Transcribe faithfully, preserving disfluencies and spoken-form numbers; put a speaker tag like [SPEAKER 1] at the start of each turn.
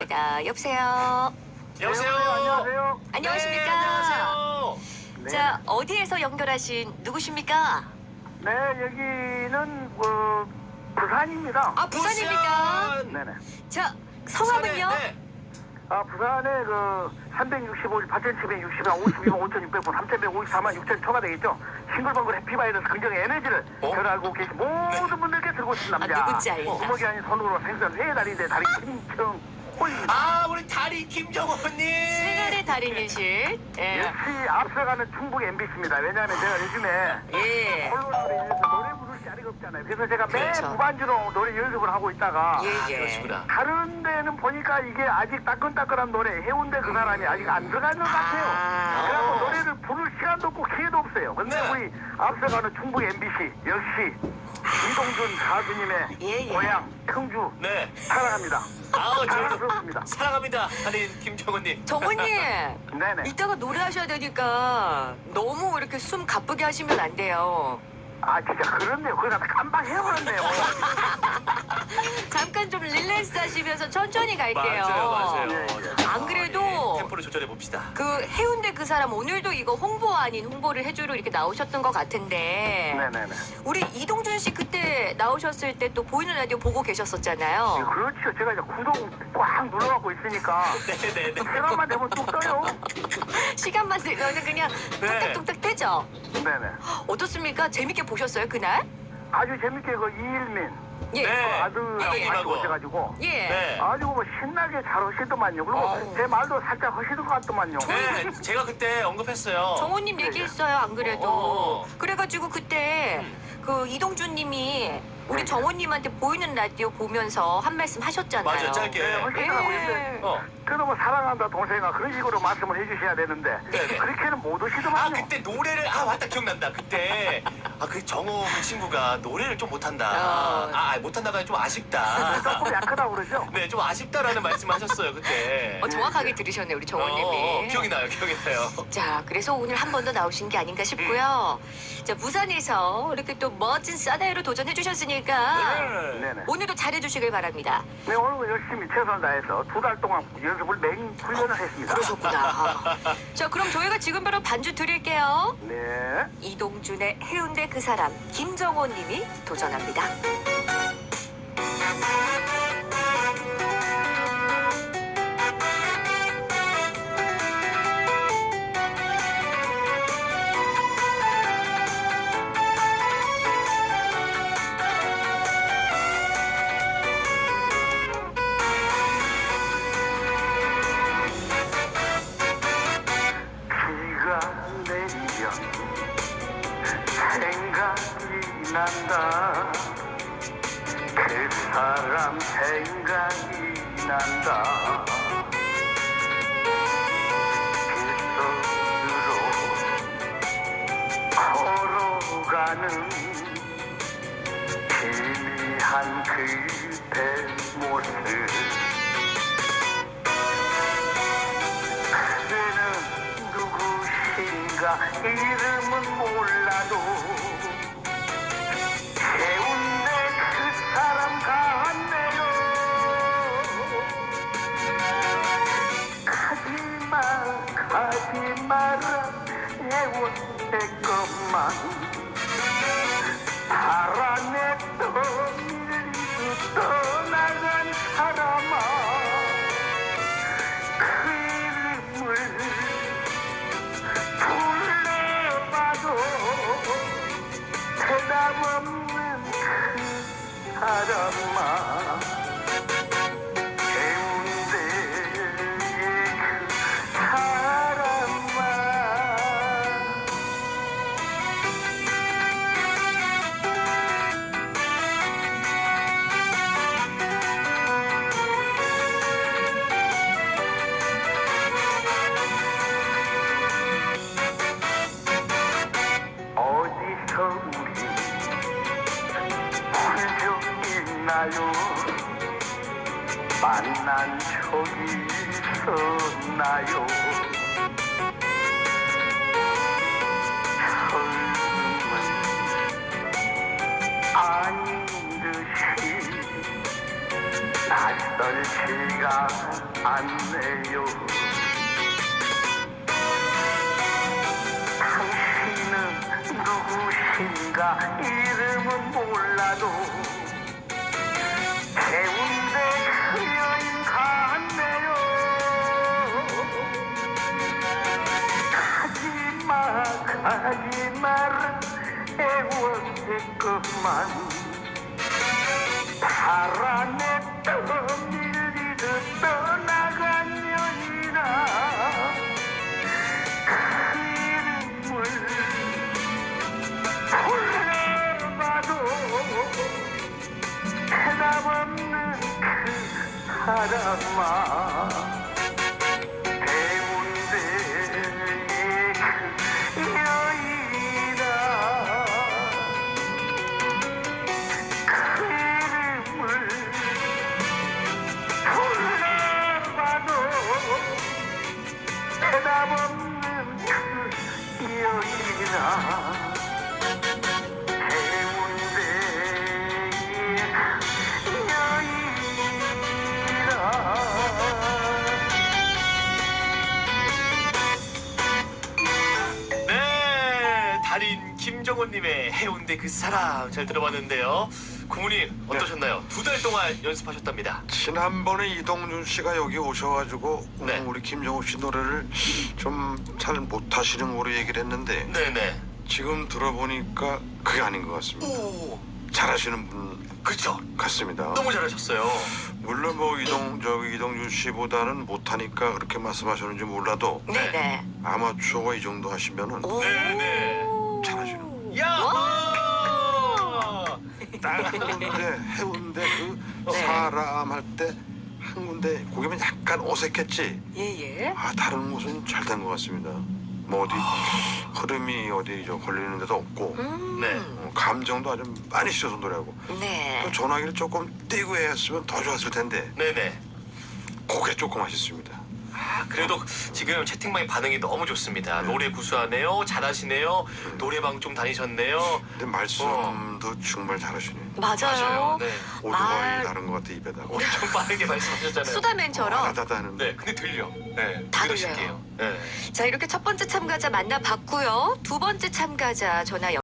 [SPEAKER 1] 전화입니다. 여보세요.
[SPEAKER 2] 여보세요.
[SPEAKER 3] 네, 안녕하세요.
[SPEAKER 1] 안녕하십니까?
[SPEAKER 2] 네, 안녕하세요.
[SPEAKER 3] 네.
[SPEAKER 1] 자, 어디에서 연결하신 누구십니까?
[SPEAKER 3] 네, 여기는 어, 부산입니다.
[SPEAKER 1] 아, 부산입니까?
[SPEAKER 2] 부산.
[SPEAKER 3] 네네.
[SPEAKER 1] 자, 성함은요?
[SPEAKER 2] 부산에, 네.
[SPEAKER 3] 아, 부산에 그 삼백육십오 일 팔천칠백육십일 오십이만 오천육백 분 삼천백오십사만 육천 초가 되겠죠. 싱글벙글 해피바이러스 긍정의 에너지를
[SPEAKER 2] 어?
[SPEAKER 3] 잘 알고 계신 모든 분들께 들고 오신 남자.
[SPEAKER 1] 아, 누군지 알겠다.
[SPEAKER 3] 구멍이 아닌 손으로 생선 회 다리인데 다리 김청호입니다.
[SPEAKER 2] 아, 우리 다리 김정호님.
[SPEAKER 1] 생활의 달인이실. 예.
[SPEAKER 3] 역시 앞서가는 충북 엠비씨입니다. 왜냐하면 제가 요즘에
[SPEAKER 1] 예.
[SPEAKER 3] 콜로나로 인해서 노래 부를 자리가 없잖아요. 그래서 제가 매
[SPEAKER 1] 그렇죠.
[SPEAKER 3] 무반주로 노래 연습을 하고 있다가
[SPEAKER 1] 예,
[SPEAKER 2] 아,
[SPEAKER 1] 예.
[SPEAKER 2] 그러시구나.
[SPEAKER 3] 다른 데는 보니까 이게 아직 따끈따끈한 노래 해운대 그 사람이 아직 안 들어가는 것 같아요.
[SPEAKER 1] 아.
[SPEAKER 3] 그래갖고 노래를 부를 시간도 없고 기회도 없어요. 근데
[SPEAKER 2] 네.
[SPEAKER 3] 우리 앞서가는 충북 엠비씨 역시 이동준 가수님의
[SPEAKER 1] 예, 예.
[SPEAKER 3] 고향 청주
[SPEAKER 2] 네.
[SPEAKER 3] 사랑합니다.
[SPEAKER 2] 아우, 저희도
[SPEAKER 3] 사랑스럽습니다.
[SPEAKER 2] 사랑합니다. 달인 김정호님.
[SPEAKER 1] 정호님,
[SPEAKER 3] 네네.
[SPEAKER 1] 이따가 노래하셔야 되니까 너무 이렇게 숨 가쁘게 하시면 안 돼요.
[SPEAKER 3] 아 진짜 그렇네요. 그걸 갖다 깜빡 해버렸네요.
[SPEAKER 1] 잠깐 좀 릴렉스 하시면서 천천히 갈게요.
[SPEAKER 2] 맞아요, 맞아요.
[SPEAKER 3] 예, 예.
[SPEAKER 1] 안 그래도
[SPEAKER 2] 예, 템포를 조절해 봅시다.
[SPEAKER 1] 그 해운대 그 사람 오늘도 이거 홍보 아닌 홍보를 해주러 이렇게 나오셨던 것 같은데
[SPEAKER 3] 네네네.
[SPEAKER 1] 우리 이동준 씨 그때 나오셨을 때 또 보이는 라디오 보고
[SPEAKER 3] 예,
[SPEAKER 1] 계셨었잖아요.
[SPEAKER 3] 그렇죠. 제가 이제 구독 꽉 눌러갖고 있으니까
[SPEAKER 2] 네네네.
[SPEAKER 3] 시간만 되면 뚝 떠요.
[SPEAKER 1] 시간만 되면은 그냥
[SPEAKER 2] 네.
[SPEAKER 1] 뚝딱뚝딱 되죠.
[SPEAKER 3] 네네.
[SPEAKER 1] 어떻습니까? 재밌게 보셨어요 그날?
[SPEAKER 3] 아주 재밌게 그 이일민
[SPEAKER 1] 예.
[SPEAKER 2] 네.
[SPEAKER 3] 그 아들하고
[SPEAKER 1] 예,
[SPEAKER 3] 같이
[SPEAKER 2] 아들하고.
[SPEAKER 3] 오셔가지고
[SPEAKER 1] 예.
[SPEAKER 2] 네.
[SPEAKER 3] 아주 뭐 신나게 잘 오시더만요. 그리고
[SPEAKER 1] 아우.
[SPEAKER 3] 제 말도 살짝 하시는 것 같더만요.
[SPEAKER 2] 네, 제가 그때 언급했어요.
[SPEAKER 1] 정호님
[SPEAKER 3] 예, 예.
[SPEAKER 1] 얘기했어요 안 그래도.
[SPEAKER 2] 어.
[SPEAKER 1] 그래가지고 그때 그 이동준님이 우리
[SPEAKER 3] 예.
[SPEAKER 1] 정호님한테 보이는 라디오 보면서 한 말씀 하셨잖아요.
[SPEAKER 2] 맞아요, 짧게.
[SPEAKER 3] 네, 하시더라고요. 근데
[SPEAKER 1] 예.
[SPEAKER 2] 어.
[SPEAKER 3] 그래도 뭐 사랑한다 동생아 그런 식으로 말씀을 해주셔야 되는데
[SPEAKER 2] 네네.
[SPEAKER 3] 그렇게는 못
[SPEAKER 2] 아,
[SPEAKER 3] 오시더만요.
[SPEAKER 2] 그때 노래를, 아, 맞다, 기억난다. 그때, 아, 그 정호 그 친구가 노래를 좀 못한다.
[SPEAKER 1] 어.
[SPEAKER 2] 아, 못한다가 좀 아쉽다.
[SPEAKER 3] 조금 약하다고 그러죠?
[SPEAKER 2] 네, 좀 아쉽다라는 말씀 하셨어요, 그때.
[SPEAKER 1] 어, 정확하게 들으셨네요 우리
[SPEAKER 2] 어,
[SPEAKER 1] 정호님이.
[SPEAKER 2] 기억이 나요, 기억이 나요.
[SPEAKER 1] 자, 그래서 오늘 한 번 더 나오신 게 아닌가 싶고요. 자, 부산에서 이렇게 또 멋진 사나이로 도전해 주셨으니까
[SPEAKER 3] 네네.
[SPEAKER 1] 오늘도 잘해 주시길 바랍니다.
[SPEAKER 3] 네, 오늘 열심히 최선을 다해서 두 달 동안 연습을 맹 훈련을 했습니다.
[SPEAKER 1] 그러셨구나. 자, 그럼 저희가 지금 바로 반주 드릴게요.
[SPEAKER 3] 네.
[SPEAKER 1] 이동준의 해운대 그 사람 김정호 님이 도전합니다.
[SPEAKER 3] 비가 내리면 생각이 난다. 그 사람 생각이 난다. 길속으로 걸어가는 희미한 그대 모습. 그대는 누구신가 이름은 몰라도 해운대 그 사람 같네요. 가지마 가지 마라 해운대 것만 바람에 떠밀리고 떠나간 사람아 그 이름을 불러봐도 대답 없는 그 사람아 해운대의 그 사람아. 어디서 우리 훌쩍 있나요? 만난 적이 있었나요? 처음은 아닌 듯이 낯설 시간 않네요. 당신은 누구신가 이름은 몰라도 해운대 그 여인 같네요. 가지마 가지마라 애원했건만 바람에 떠밀리듯 떠나간 년이나 그 이름을 불러봐도 대답 없는 그 사람아 해운대의 그 여인아 그 이름을 불러봐도 대답 없는 그 여인아
[SPEAKER 2] 네, 달인 김정호님의 해운대 그 사람 잘 들어봤는데요. 고모님 어떠셨나요? 두 달 동안 연습하셨답니다.
[SPEAKER 4] 지난번에 이동준 씨가 여기 오셔가지고
[SPEAKER 2] 네.
[SPEAKER 4] 음, 우리 김정우 씨 노래를 좀 잘 못하시는 거로 얘기를 했는데
[SPEAKER 2] 네네.
[SPEAKER 4] 지금 들어보니까 그게 아닌 것 같습니다.
[SPEAKER 2] 오,
[SPEAKER 4] 잘하시는 분
[SPEAKER 2] 그렇죠.
[SPEAKER 4] 같습니다.
[SPEAKER 2] 너무 잘하셨어요.
[SPEAKER 4] 물론 뭐 이동 저기 이동준 씨보다는 못하니까 그렇게 말씀하셨는지 몰라도
[SPEAKER 1] 네네.
[SPEAKER 4] 아마추어가 이 정도 하시면은
[SPEAKER 1] 오.
[SPEAKER 2] 네네.
[SPEAKER 4] 잘하시는
[SPEAKER 2] 야!
[SPEAKER 4] 딱 한 군데 해운대 그
[SPEAKER 1] 네.
[SPEAKER 4] 사람 할 때 한 군데 고개면 약간 어색했지.
[SPEAKER 1] 예예.
[SPEAKER 4] 아 다른 곳은 잘 된 것 같습니다. 뭐 어디 흐름이 어디 저 걸리는 데도 없고
[SPEAKER 1] 음.
[SPEAKER 2] 네.
[SPEAKER 4] 어, 감정도 아주 많이 씻어서 노래하고
[SPEAKER 1] 네.
[SPEAKER 4] 또 전화기를 조금 띄고 했으면 더 좋았을 텐데
[SPEAKER 2] 네네.
[SPEAKER 4] 그게 조금 아쉽습니다.
[SPEAKER 2] 아, 그래도 지금 채팅방의 반응이 너무 좋습니다. 노래 구수하네요. 잘하시네요. 노래방 좀 다니셨네요.
[SPEAKER 4] 근데 말씀도 정말 잘하시네요.
[SPEAKER 1] 맞아요.
[SPEAKER 2] 네.
[SPEAKER 4] 오토바이
[SPEAKER 1] 말-
[SPEAKER 4] 다른 것 같아 입에다가.
[SPEAKER 2] 엄청 빠르게 말씀하셨잖아요.
[SPEAKER 1] 수다맨처럼.
[SPEAKER 4] 아다다 하는데.
[SPEAKER 2] 네, 근데 들려. 네,
[SPEAKER 1] 다
[SPEAKER 2] 그대로
[SPEAKER 1] 들려요.
[SPEAKER 2] 실게요. 네.
[SPEAKER 1] 자, 이렇게 첫 번째 참가자 만나봤고요. 두 번째 참가자 전화